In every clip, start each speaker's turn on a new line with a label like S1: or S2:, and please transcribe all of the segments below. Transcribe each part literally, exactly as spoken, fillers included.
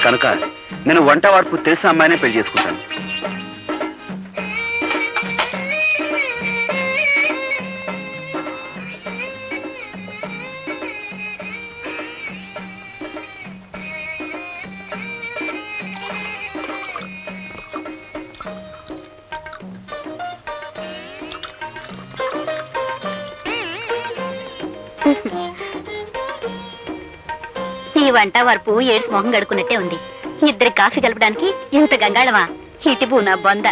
S1: కనుక నేను వంట వార్పు తెలిసిన అమ్మాయినే పెళ్లి చేసుకుంటాను.
S2: ఈ వంట వరపు ఏడ్స్ మొహం గడుకున్నట్టే ఉంది. ఇద్దరి కాఫీ కలపడానికి ఇంత గంగాళమా? ఇటిపు నా బొంద.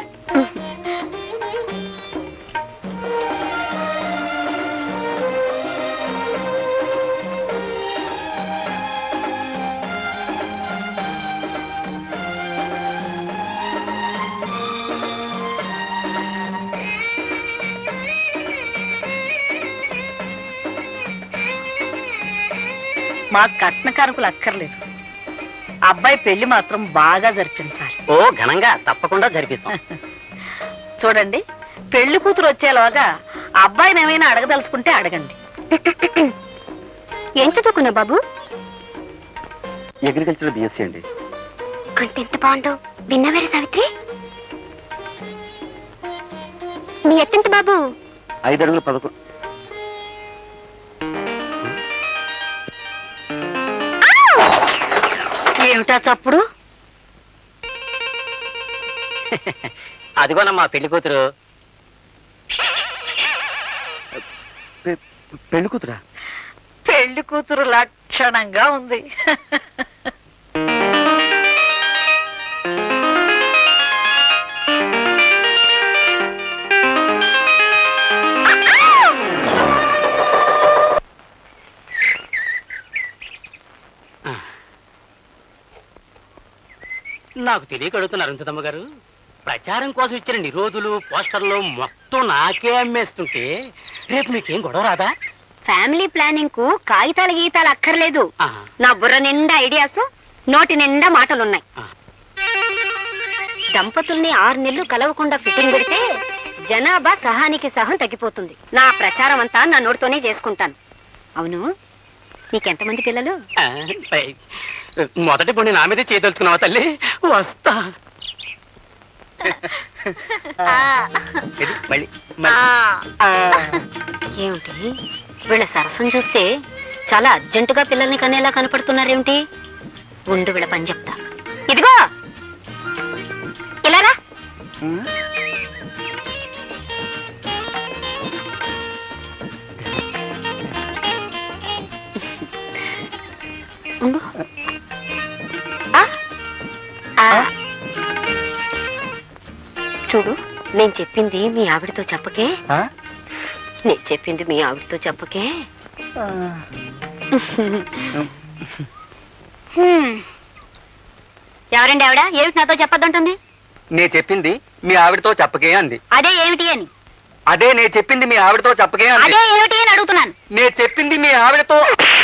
S3: మా కట్న కానుకలు అక్కర్లేదు, అబ్బాయి పెళ్లి మాత్రం బాగా జరిపించాలి.
S4: ఓ ఘనంగా తప్పకుండా జరిపిస్తాం.
S3: చూడండి, పెళ్లి కూతురు వచ్చేలోగా అబ్బాయిని ఏమైనా అడగదలుచుకుంటే అడగండి.
S2: ఏం చదువుకున్నావు బాబు?
S1: అగ్రికల్చర్ బిఎస్సీ అండి.
S2: కొంత ఎంత బాగుందో విన్నవేరే సావిత్రి. నీ ఎత్తెంత బాబు?
S1: ఐదు అడుగులు పదకొండు.
S3: ఏమిటా చప్పుడు?
S4: అదిగోనమ్మా పెళ్లి కూతురు.
S1: పెళ్లి కూతురా?
S3: పెళ్లి కూతురు లక్షణంగా ఉంది.
S4: నాకు తెలియక అడుగుతున్నారు అరుంధతమ్మ గారు. ప్రచారం కోసం ఇచ్చిన నిరోధులు పోస్టర్లు మొత్తం నాకే అమ్మేస్తుంటే రేపు మీకేం గొడవ రాదా?
S2: ఫ్యామిలీ ప్లానింగ్ కు కాగితాల గీతాలు అక్కర్లేదు.
S4: ఆ,
S2: నా బుర్ర నిండా ఐడియాస్, నోటి నిండా మాటలున్నాయి.
S4: ఆ.
S2: దంపతుల్ని ఆరు నెలలు కలవకుండా ఫిట్టింగ్ పెడితే జనాభా సహానికి సహం తగ్గిపోతుంది. నా ప్రచారం అంతా నా నోటితోనే చేసుకుంటాను. అవును, నీకెంతమంది పిల్లలు?
S4: ఆ, పై, మొదటి పొండి నా మీదే చేయదలుచుకున్నావా తల్లి? వస్తా. ఇది మళ్ళీ
S2: ఏమిటి వీళ్ళ సరసం చూస్తే చాలా అర్జెంటుగా పిల్లల్ని కనేలా కనపడుతున్నారేమిటి? ఉండు వీళ్ళ పని చెప్తా. ఇదిగో ఇలారా. ఉండు. ఆ? ఆ. చూడు, నేను చెప్పింది మీ ఆవిడతో చెప్పకే. నేను చెప్పింది మీ ఆవిడతో చెప్పకే. ఎవరండి ఆవిడ? ఏమిటి నాతో చెప్పొద్దంటుంది?
S5: నే చెప్పింది మీ ఆవిడతో చెప్పకే అంది.
S2: అదే ఏమిటి అని?
S5: అదే నే చెప్పింది మీ ఆవిడతో చెప్పకే అంది.
S2: అదే ఏమిటి అని అడుగుతున్నాను.
S5: నే చెప్పింది మీ ఆవిడతో.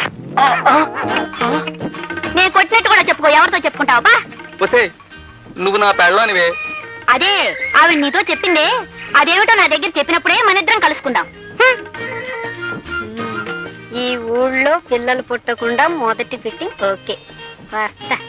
S2: నేను కొట్టినట్టు కూడా చెప్పుకో. ఎవరితో చెప్పుకుంటావా?
S5: ఒసే, నువ్వు నా పెళ్ళానివే.
S2: అదే ఆవిడ నీతో చెప్పిందే. అదేమిటో నా దగ్గర చెప్పినప్పుడే మన ఇద్దరం కలుసుకుందాం. ఈ ఊళ్ళో పిల్లలు పుట్టకుండా మొదటి ఫిట్టింగ్ ఓకే. వస్తా.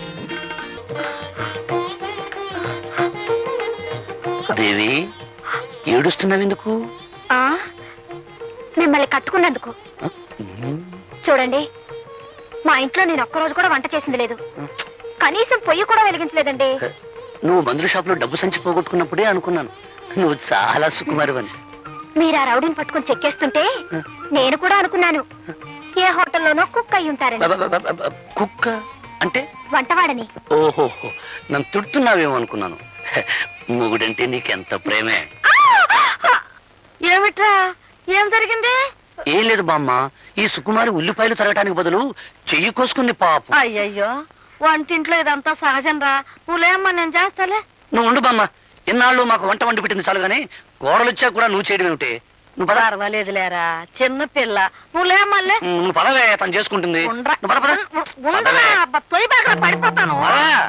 S4: దేవి, ఏడుస్తున్నావు ఎందుకు?
S2: ఆ, మిమ్మల్ని కట్టుకున్నందుకు. చూడండి, మా ఇంట్లో నేను ఒక్కరోజు కూడా వంట చేసింది లేదు. కనీసం పొయ్యి కూడా వెలిగించలేదండి.
S4: నువ్వు మందుల షాప్ లో డబ్బు సంచి పోగొట్టుకున్నప్పుడే అనుకున్నాను నువ్వు చాలా సుకుమారువని.
S2: మీరు ఆ రౌడీని పట్టుకొని చెక్కేస్తుంటే నేను కూడా అనుకున్నాను ఏ హోటల్లోనో కుక్ అయి ఉంటారని.
S4: కుక్క అంటే?
S2: వంటవాడని.
S4: ఓహో, నన్ను తిడుతున్నావేమో అనుకున్నాను. మొగుడంటే నీకెంత ప్రేమే.
S3: ఏమిట్రా, ఏం జరిగింది?
S4: ఏం లేదు బామ్మ, ఈ సుకుమారి ఉల్లిపాయలు తరగటానికి బదులు చెయ్యి కోసుకుంది పాపం.
S3: అయ్యయ్యో, వంటింట్లో ఇదంతా సహజం రా. నువ్వులేమ్మా, నేను చేస్తాలే.
S4: నువ్వు ఉండు బామ్మ, ఇన్నాళ్ళు మాకు వంట వండి పెట్టింది చాలు గానీ కోడలు వచ్చా కూడా నువ్వు చేయడం ఏమిటి? నువ్వు పద.
S3: పర్వాలేదు లేరా, చిన్న పిల్ల. నువ్వులేమ్మల్లే.
S4: నువ్వు పదవే, తను చేసుకుంటుంది. నువ్వు పద, పద.
S3: తొయ్యి బాగా పడిపోతాను.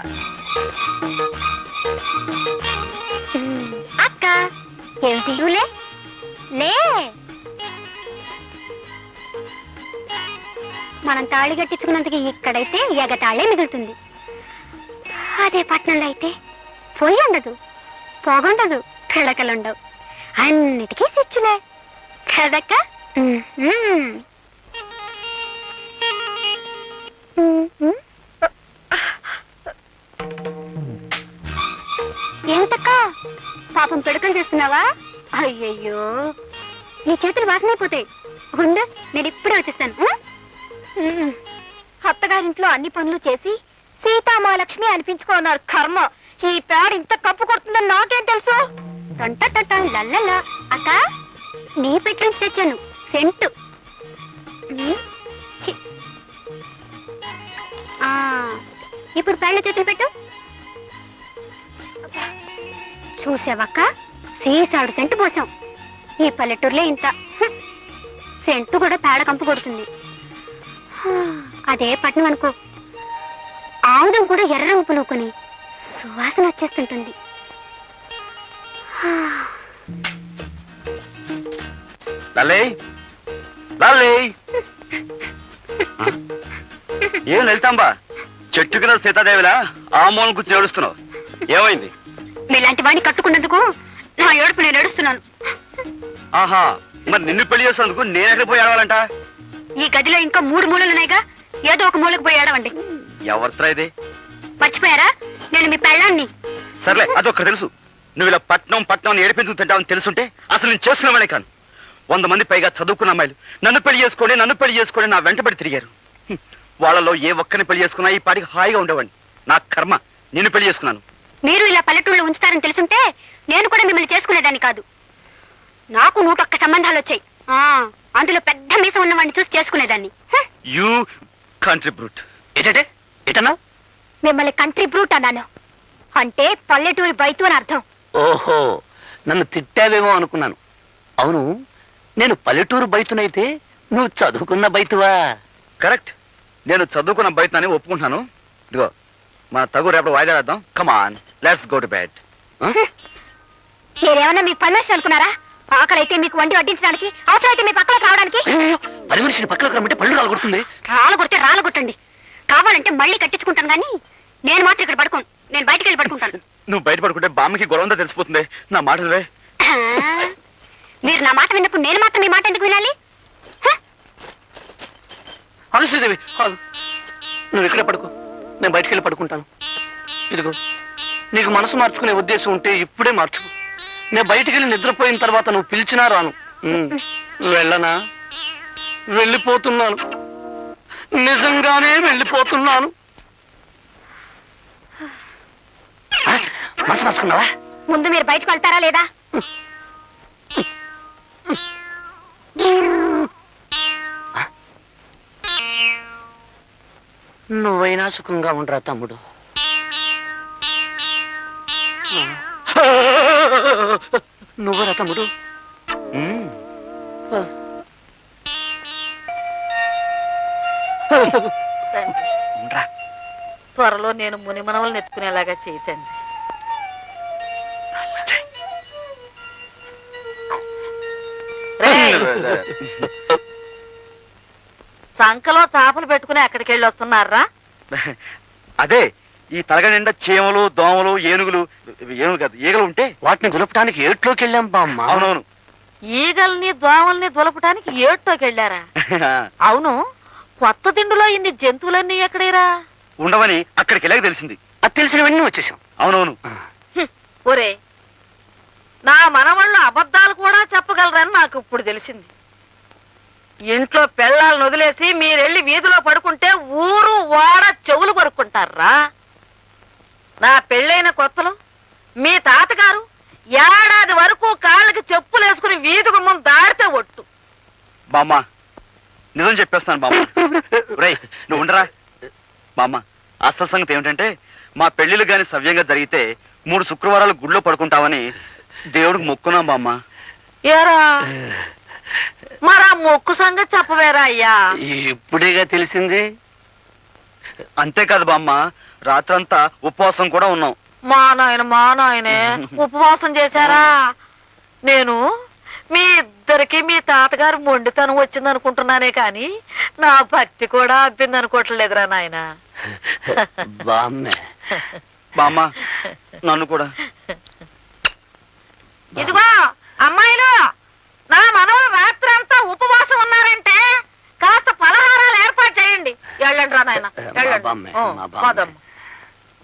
S2: అక్క, ఏమిటి? నువ్వులే లే. మనం తాళి కట్టించుకున్నందుకు ఇక్కడైతే ఎగతాళే మిగులుతుంది. అదే పట్నంలో అయితే పొయ్యి ఉండదు, పొగుండదు, పిడకలుండవు, అన్నిటికీ స్విచ్లే కదక్క. ఏమిటక్క పాపం పిడకలు చేస్తున్నావా? అయ్యయ్యో, నీ చేతులు వాసనైపోతాయి. ఉండు, నేను ఇప్పుడే వచ్చేస్తాను. ఉమ్. అత్తగారింట్లో అన్ని పనులు చేసి సీతామహాలక్ష్మి అనిపించుకున్నారు. కర్మ, ఈ పేడ ఇంత కప్పు కొడుతుందని నాకేం తెలుసు? టంట లల్లలా. అక్క, నీ పెట్టి నుంచి తెచ్చాను సెంటు. ఉమ్, ఛీ. ఆ, ఇప్పుడు పేడ చేతులు పెట్టు. చూసావక్క, సీసాడు సెంటు పోసాం. ఈ పల్లెటూరులో ఇంత. హ్మ్. సెంటు కూడా పేడ కంపు కొడుతుంది. అదే పట్నం అనుకో, ఆముదం కూడా ఎర్ర రంగు పులుకొని సువాసన వచ్చేస్తుంటుంది.
S1: లల్లే, లల్లే. ఏం లలితాంబా, చెట్టు కింద సీతాదేవిలా ఆ మూలం కూర్చొని ఏడుస్తున్నావు, ఏమైంది?
S2: మీలాంటి వాడిని కట్టుకున్నందుకు నా ఏడుపు నేను ఏడుస్తున్నాను.
S1: ఆహా, మరి నిన్ను పెళ్లి చేసినందుకు నేను ఎక్కడ పోయి ఏడవాలంట?
S2: ఈ గదిలో ఇంకా మూడు మూలలున్నాయిగా, ఏదో ఒక మూలకు పోయి ఏడవండి.
S1: ఎవరితో ఇది?
S2: మర్చిపోయారా, నేను మీ పెళ్ళాన్ని.
S1: సర్లే, అదొక్కటి తెలుసు. నువ్వు ఇలా పట్నం పట్నం ఏడిపించుకు తింటావని తెలుసుంటే అసలు నేను చేసుకున్నామనే కాను. వంద మంది పైగా చదువుకున్న అమ్మాయిలు నన్ను పెళ్లి చేసుకోండి నన్ను పెళ్లి చేసుకోండి నా వెంటబడి తిరిగారు. హ్మ్. వాళ్ళలో ఏ ఒక్కరిని పెళ్లి చేసుకున్నా ఈ పాటికి హాయిగా ఉండేవాడిని. నా కర్మ, నిన్ను పెళ్లి చేసుకున్నాను.
S2: మీరు ఇలా పల్లెటూళ్ళలో ఉంచుతారని తెలుసుంటే నేను కూడా మిమ్మల్ని చేసుకునేదాన్ని కాదు. నాకు నూటొక్క సంబంధాలు వచ్చాయి. ఆ, అందులో పెద్ద మీసం ఉన్నవాడిని చూసి చేసుకునేదాన్ని. హ!
S1: You country brute.
S4: ఏంటంటే ఎటన్నా?
S2: మిమ్మల్ని కంట్రీ బ్రూట్ అన్నాను. అంటే పల్లెటూరి బయటు అని అర్థం.
S4: ఓహో, నన్ను తిట్టావేమో అనుకున్నాను. అవును, నేను పల్లెటూరు బయటనైతే నువ్వు చదువుకున్న బయటువా?
S1: కరెక్ట్, నేను చదువుకున్న బయటని ఒప్పుకుంటున్నాను. ఇదిగో మన తగు రేపు వాయిదా వేద్దాం. Come on, let's go to bed.
S2: మీరేమన్నా మీకు పర్మిషన్ అనుకున్నారా? ఆకలి అయితే మీకు వండి వడ్డించడానికి, అవసరం అయితే మీ పక్కలకు రావడానికి.
S4: పది మనిషిని పక్కలకు రమ్మంటే పళ్ళు రాలగొడుతుంది.
S2: రాళ్ళు కొడితే రాళ్ళు కొట్టండి, కావాలంటే మళ్ళీ కట్టించుకుంటాను. కానీ నేను మాత్రం ఇక్కడ పడుకోను, నేను బయటికి వెళ్ళి పడుకుంటాను.
S1: నువ్వు బయట పడుకుంటే బామ్మకి గొడవంతా తెలిసిపోతుంది. నా మాటలే.
S2: ఆ, మీరు నా మాట విన్నప్పుడు నేను మాత్రం మీ మాట ఎందుకు వినాలి? హ!
S4: అనుశ్రీదేవి, నువ్వు ఇక్కడే పడుకో, నేను బయటికి వెళ్ళి పడుకుంటాను. ఇదిగో, నీకు మనసు మార్చుకునే ఉద్దేశం ఉంటే ఇప్పుడే మార్చుకో. నేను బయటికి వెళ్ళి నిద్రపోయిన తర్వాత నువ్వు పిలిచినా రాను. ఉమ్, వెళ్ళనా? వెళ్ళిపోతున్నాను, నిజంగానే వెళ్ళిపోతున్నాను. ఆ, మనసు మార్చుకున్నావా?
S2: ముందు మీరు బయటకు వెళ్తారా లేదా?
S4: నువ్వైనా సుఖంగా ఉండరా తమ్ముడు. నువ్వరా తమ్ముడు?
S1: మ్మ్. ఉండరా.
S3: త్వరలో నేను మునిమనవలను ఎత్తుకునేలాగా చేయతండి. సంకలో చేపలు పెట్టుకుని ఎక్కడికి వెళ్ళి వస్తున్నారా?
S1: అదే, ఈ తలగ నిండా చీమలు దోమలు ఏనుగులు, ఏనుగు కాదు ఈగలు ఉంటే
S4: వాటిని దులపడానికి ఏట్లోకి వెళ్ళాం బామ్మ.
S1: అవునవును.
S3: ఈగల్ని దోమల్ని దులపటానికి ఏటోకి వెళ్ళారా? అవును, కొత్త దిండులో ఇన్ని జంతువులన్నీ ఎక్కడేరా?
S1: ఉండవని అక్కడికి వెళ్ళాక తెలిసింది.
S4: అది తెలిసినవన్నీ వచ్చేసాం.
S1: అవునవును.
S3: ఒరే, నా మనవాళ్ళు అబద్ధాలు కూడా చెప్పగలరని నాకు ఇప్పుడు తెలిసింది. ఇంట్లో పెళ్ళాలను వదిలేసి మీరెళ్ళి వీధిలో పడుకుంటే ఊరు వాడ చెవులు కొరుక్కుంటారా? నా పెళ్ళైన కొత్తలో మీ తాతగారు ఏడాది వరకు కాళ్ళకి చెప్పులు వేసుకుని వీధి గుమ్మం దాడితే ఒట్టు.
S1: బామ్మ, నిజం చెప్పేస్తాను బామ్మ. రేయ్, నువ్వు ఉండరా. బామ్మ, అసలు సంగతి ఏమిటంటే మా పెళ్లిళ్ళు గాని సవ్యంగా జరిగితే మూడు శుక్రవారాలు గుళ్ళో పడుకుంటామని దేవుడికి మొక్కున్నాం బామ్మ.
S3: ఏరా, మరా మొక్కు సంగతి చెప్పవేరా అయ్యా?
S4: ఇప్పుడేగా తెలిసింది.
S1: అంతేకాదు బామ్మ, రాత్రంతా ఉపవాసం కూడా ఉన్నాం.
S3: మా నాయన మా నాయనే ఉపవాసం చేశారా? నేను మీ ఇద్దరికి మీ తాతగారు మొండితనం వచ్చింది అనుకుంటున్నానే కాని నా భక్తి కూడా అబ్బింది అనుకోవట్లేదురా నాయన.
S4: బామ్మే,
S1: బామ్మ నన్ను కూడా.
S3: ఇదిగో అమ్మాయిలు, నా మనవలు రాత్రి అంతా ఉపవాసం ఉన్నారంటే కాస్త పలహారాలు ఏర్పాటు చేయండి. వెళ్ళండి రా నాయన,
S4: మా బామ్మే,
S3: వెళ్ళండి.
S4: మా బామ్మే.
S3: పోదమ్మ.